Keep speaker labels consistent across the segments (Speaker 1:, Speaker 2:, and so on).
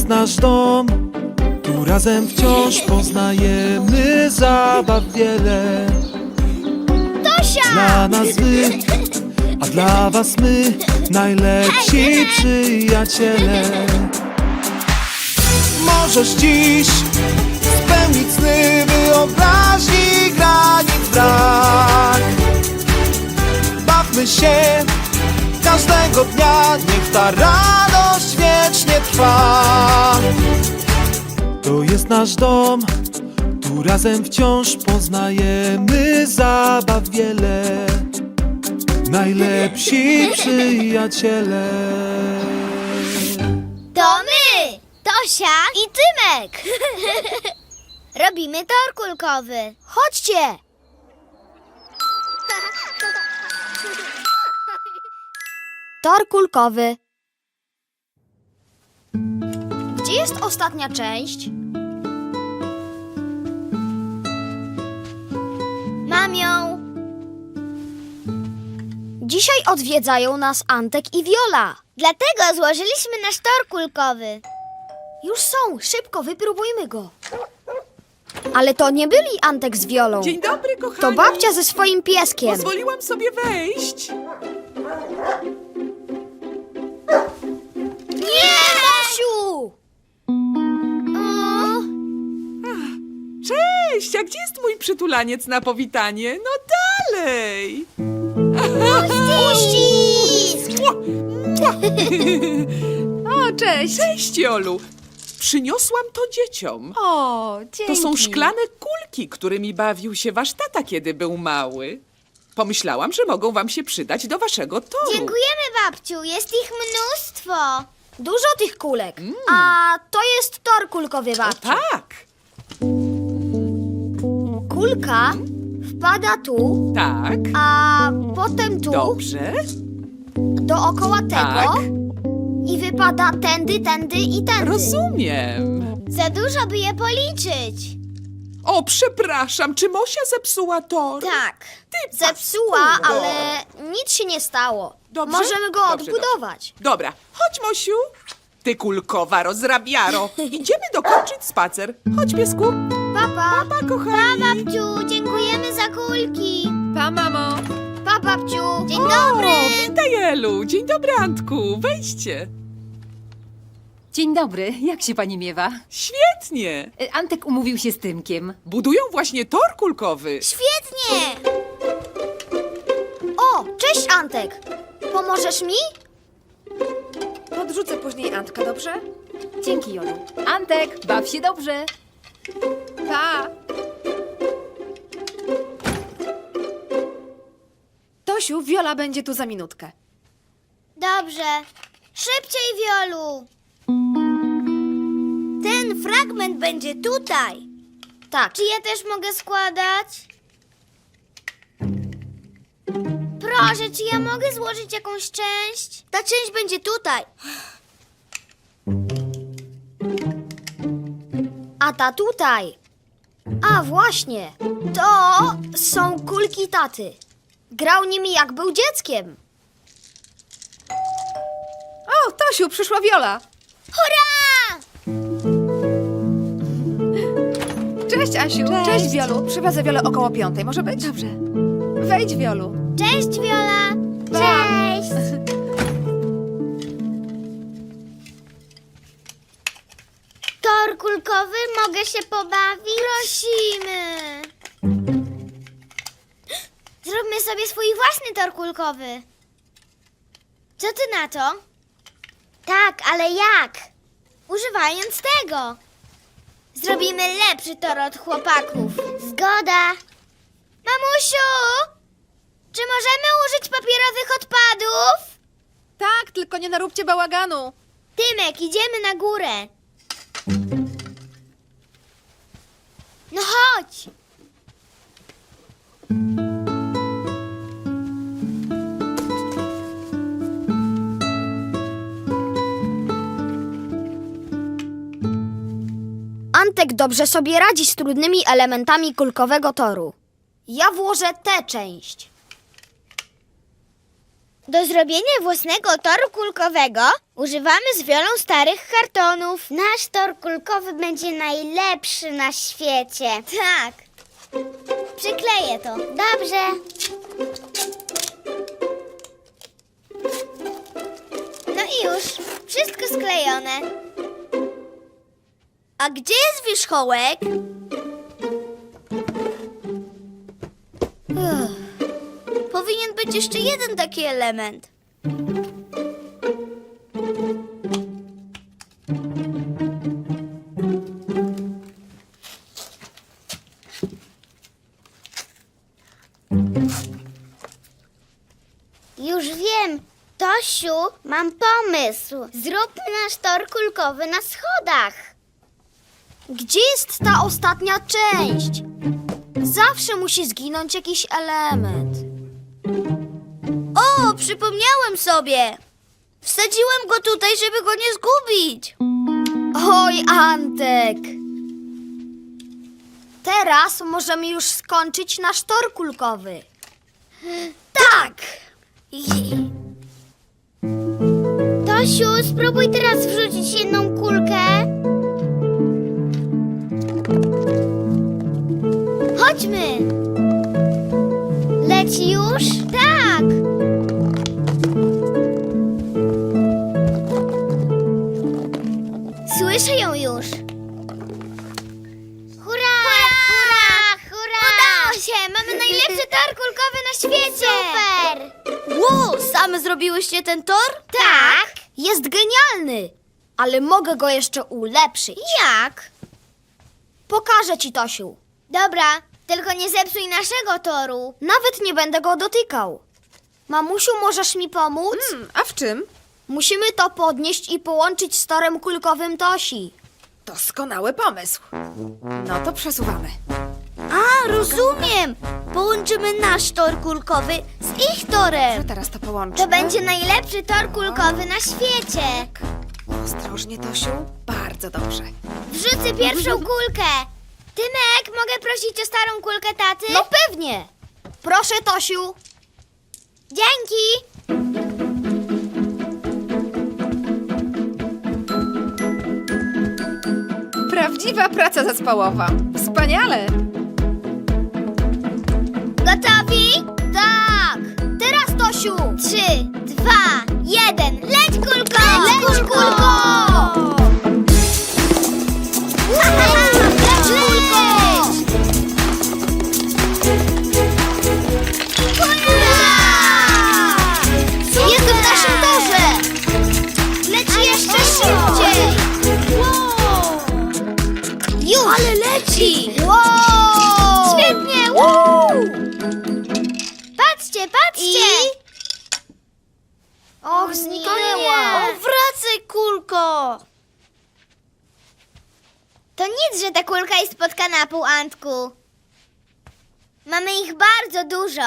Speaker 1: jest nasz dom, tu razem wciąż poznajemy zabaw wiele.
Speaker 2: Tosia!
Speaker 1: Dla nas wy, a dla was my, najlepsi przyjaciele. Możesz dziś spełnić sny, wyobraźni granic brak. Bawmy się każdego dnia, niech ta radość wiecznie trwa. To jest nasz dom, tu razem wciąż poznajemy zabaw wiele. Najlepsi przyjaciele.
Speaker 2: To my! Tosia i Tymek! Robimy tor kulkowy. Chodźcie! Tor kulkowy. Gdzie jest ostatnia część? Mam ją. Dzisiaj odwiedzają nas Antek i Wiola. Dlatego złożyliśmy nasz tor kulkowy. Już są, szybko wypróbujmy go. Ale to nie byli Antek z Wiolą.
Speaker 3: Dzień dobry, kochani.
Speaker 2: To babcia ze swoim pieskiem.
Speaker 3: Pozwoliłam sobie wejść.
Speaker 2: Nie, Mosiu!
Speaker 3: Cześć, a gdzie jest mój przytulaniec na powitanie? No dalej.
Speaker 2: Uścisk!
Speaker 4: O, cześć!
Speaker 3: Cześć, Jolu. Przyniosłam to dzieciom.
Speaker 4: O, dzięki.
Speaker 3: To są szklane kulki, którymi bawił się wasz tata, kiedy był mały. Pomyślałam, że mogą wam się przydać do waszego toru.
Speaker 2: Dziękujemy, babciu. Jest ich mnóstwo. Dużo tych kulek. A to jest tor kulkowy,
Speaker 3: O
Speaker 2: babciu.
Speaker 3: tak,
Speaker 2: Kulka wpada tu,
Speaker 3: tak.
Speaker 2: a potem tu,
Speaker 3: Dobrze.
Speaker 2: dookoła tego
Speaker 3: Tak.
Speaker 2: i wypada tędy, tędy i tędy.
Speaker 3: Rozumiem.
Speaker 2: Za dużo, by je policzyć.
Speaker 3: O, przepraszam, czy Mosia zepsuła tor?
Speaker 2: Tak.
Speaker 3: Ty
Speaker 2: Zepsuła,
Speaker 3: paskudo.
Speaker 2: ale nic się nie stało.
Speaker 3: Dobrze?
Speaker 2: Możemy go
Speaker 3: Dobrze,
Speaker 2: odbudować.
Speaker 3: Dobra, chodź, Mosiu. Ty kulkowa rozrabiaro. Idziemy dokończyć spacer. Chodź, piesku.
Speaker 2: Papa.
Speaker 3: Pa, kochani.
Speaker 2: Pa, babciu. Dziękujemy za kulki.
Speaker 4: Pa, mamo!
Speaker 2: Pa, babciu. Dzień dobry.
Speaker 3: O, witaj, Elu. Dzień dobry, Antku. Wejdźcie.
Speaker 4: Dzień dobry, jak się pani miewa?
Speaker 3: Świetnie.
Speaker 4: Antek umówił się z Tymkiem.
Speaker 3: Budują właśnie tor kulkowy.
Speaker 2: Świetnie. O, cześć, Antek. Pomożesz mi?
Speaker 4: Podrzucę później Antka, dobrze? Dzięki, Jolu. Antek, baw się dobrze. Pa! Tosiu, Wiola będzie tu za minutkę.
Speaker 2: Dobrze. Szybciej, Wiolu. Ten fragment będzie tutaj. Tak. Czy ja też mogę składać? Proszę, czy ja mogę złożyć jakąś część? Ta część będzie tutaj. A ta tutaj. A właśnie. To są kulki taty. Grał nimi jak był dzieckiem.
Speaker 4: O, Tosiu, przyszła Wiola.
Speaker 2: Hurra!
Speaker 4: Cześć, Asiu. Cześć, Wiolu. Przywiozę Wiolę około 5. Może być? Dobrze. Wejdź, Wiolu.
Speaker 2: Cześć, Wiola!
Speaker 4: Pa.
Speaker 2: Cześć! Tor kulkowy, mogę się pobawić? Prosimy! Zróbmy sobie swój własny tor kulkowy. Co ty na to? Tak, ale jak? Używając tego. Zrobimy lepszy tor od chłopaków. Zgoda. Mamusiu! Czy możemy użyć papierowych odpadów?
Speaker 4: Tak, tylko nie naróbcie bałaganu.
Speaker 2: Tymek, idziemy na górę. No chodź. Antek dobrze sobie radzi z trudnymi elementami kulkowego toru. Ja włożę tę część. Do zrobienia własnego toru kulkowego używamy z Wiolą starych kartonów. Nasz tor kulkowy będzie najlepszy na świecie. Tak. Przykleję to. Dobrze. No i już. Wszystko sklejone. A gdzie jest wierzchołek? Powinien być jeszcze jeden taki element. Już wiem. Tosiu, mam pomysł. Zróbmy nasz tor kulkowy na schodach.
Speaker 5: Gdzie jest ta ostatnia część? Zawsze musi zginąć jakiś element.
Speaker 2: O, przypomniałem sobie. Wsadziłem go tutaj, żeby go nie zgubić.
Speaker 5: Oj, Antek! Teraz możemy już skończyć nasz tor kulkowy.
Speaker 2: Tak. Tosiu, spróbuj teraz wrzucić jedną kulkę. Chodźmy. Leci już? Tak. Słyszę ją już. Hurra! Hurra! Hurra! Udało się! Mamy najlepszy tor kulkowy na świecie! Super!
Speaker 5: Wow, same zrobiłyście ten tor?
Speaker 2: Tak.
Speaker 5: Jest genialny, ale mogę go jeszcze ulepszyć.
Speaker 2: Jak?
Speaker 5: Pokażę ci, Tosiu.
Speaker 2: Dobra, tylko nie zepsuj naszego toru.
Speaker 5: Nawet nie będę go dotykał. Mamusiu, możesz mi pomóc?
Speaker 4: A w czym?
Speaker 5: Musimy to podnieść i połączyć z torem kulkowym Tosi.
Speaker 4: Doskonały pomysł. No to przesuwamy.
Speaker 2: A, rozumiem. Połączymy nasz tor kulkowy z ich
Speaker 4: Że
Speaker 2: torem.
Speaker 4: teraz to połączymy.
Speaker 2: To będzie najlepszy tor kulkowy na świecie.
Speaker 4: Ostrożnie, Tosiu. Bardzo dobrze.
Speaker 2: Wrzucę pierwszą kulkę. Tymek, mogę prosić o starą kulkę taty?
Speaker 5: No pewnie. Proszę, Tosiu.
Speaker 2: Dzięki.
Speaker 4: Prawdziwa praca zespołowa. Wspaniale.
Speaker 2: Gotowi?
Speaker 5: Tak. Teraz, Tosiu.
Speaker 2: 3, 2, 1. Leć kulko!
Speaker 5: Leć, kulko!
Speaker 2: Leć kulko!
Speaker 5: Jest w naszym torze.
Speaker 2: Leci jeszcze szybciej! Już! Ale leci!
Speaker 5: Wow!
Speaker 2: Świetnie! Patrzcie, patrzcie!
Speaker 5: Och, zniknęła.
Speaker 2: wracaj, kulko! To nic, że ta kulka jest pod kanapą, Antku. Mamy ich bardzo dużo.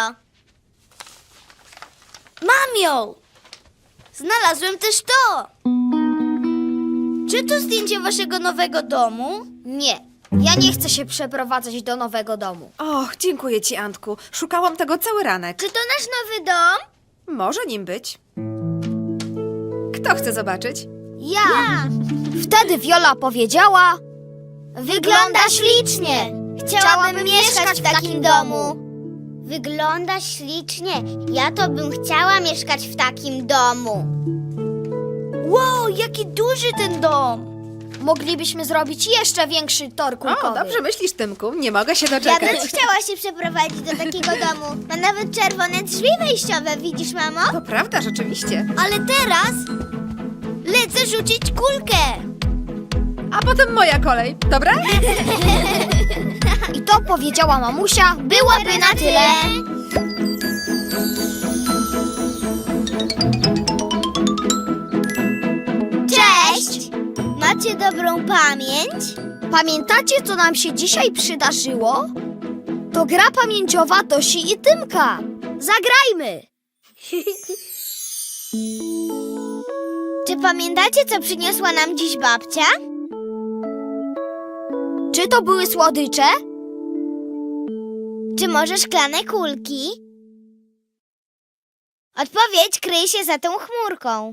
Speaker 2: Mam ją! Znalazłem też to! Czy to zdjęcie waszego nowego domu?
Speaker 5: Nie, ja nie chcę się przeprowadzać do nowego domu.
Speaker 4: Och, dziękuję ci, Antku. Szukałam tego cały ranek.
Speaker 2: Czy to nasz nowy dom?
Speaker 4: Może nim być. Kto chce zobaczyć?
Speaker 5: Ja. Wtedy Wiola powiedziała: wygląda ślicznie.
Speaker 2: Chciałabym mieszkać w takim domu. Wygląda ślicznie. Ja to bym chciała mieszkać w takim domu. Wow, jaki duży ten dom!
Speaker 5: Moglibyśmy zrobić jeszcze większy tor kulkowy.
Speaker 4: O, dobrze myślisz, Tymku. Nie mogę się
Speaker 2: Ja
Speaker 4: doczekać.
Speaker 2: bym chciała się przeprowadzić do takiego domu. Ma nawet czerwone drzwi wejściowe, widzisz, mamo?
Speaker 4: To prawda, rzeczywiście.
Speaker 2: Ale teraz lecę rzucić kulkę.
Speaker 4: A potem moja kolej, dobra?
Speaker 5: I to powiedziała mamusia, byłaby na tyle.
Speaker 2: Cześć! Macie dobrą pamięć?
Speaker 5: Pamiętacie, co nam się dzisiaj przydarzyło? To gra pamięciowa Tosi i Tymka. Zagrajmy!
Speaker 2: Czy pamiętacie, co przyniosła nam dziś babcia?
Speaker 5: Czy to były słodycze?
Speaker 2: Czy może szklane kulki?
Speaker 5: Odpowiedź kryje się za tą chmurką.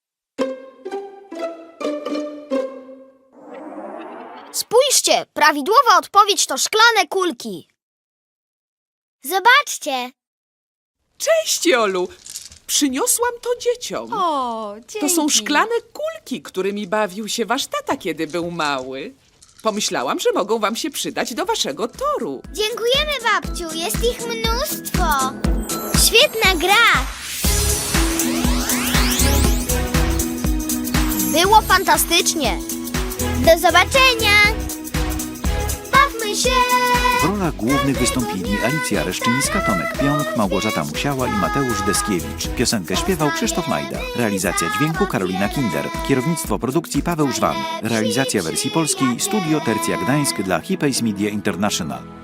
Speaker 2: Spójrzcie, prawidłowa odpowiedź to szklane kulki.
Speaker 5: Zobaczcie.
Speaker 3: Cześć, Jolu! Przyniosłam to dzieciom.
Speaker 4: O, dzięki.
Speaker 3: To są szklane kulki, którymi bawił się wasz tata, kiedy był mały. Pomyślałam, że mogą wam się przydać do waszego toru.
Speaker 5: Dziękujemy, babciu. Jest ich mnóstwo. Świetna gra.
Speaker 2: Było fantastycznie.
Speaker 5: Do zobaczenia. Bawmy się.
Speaker 6: W rolach głównych wystąpili Alicja Reszczyńska, Tomek Pionk, Małgorzata Musiała i Mateusz Deskiewicz. Piosenkę śpiewał Krzysztof Majda. Realizacja dźwięku Karolina Kinder. Kierownictwo produkcji Paweł Żwan. Realizacja wersji polskiej Studio Tercja Gdańsk dla Hipays Media International.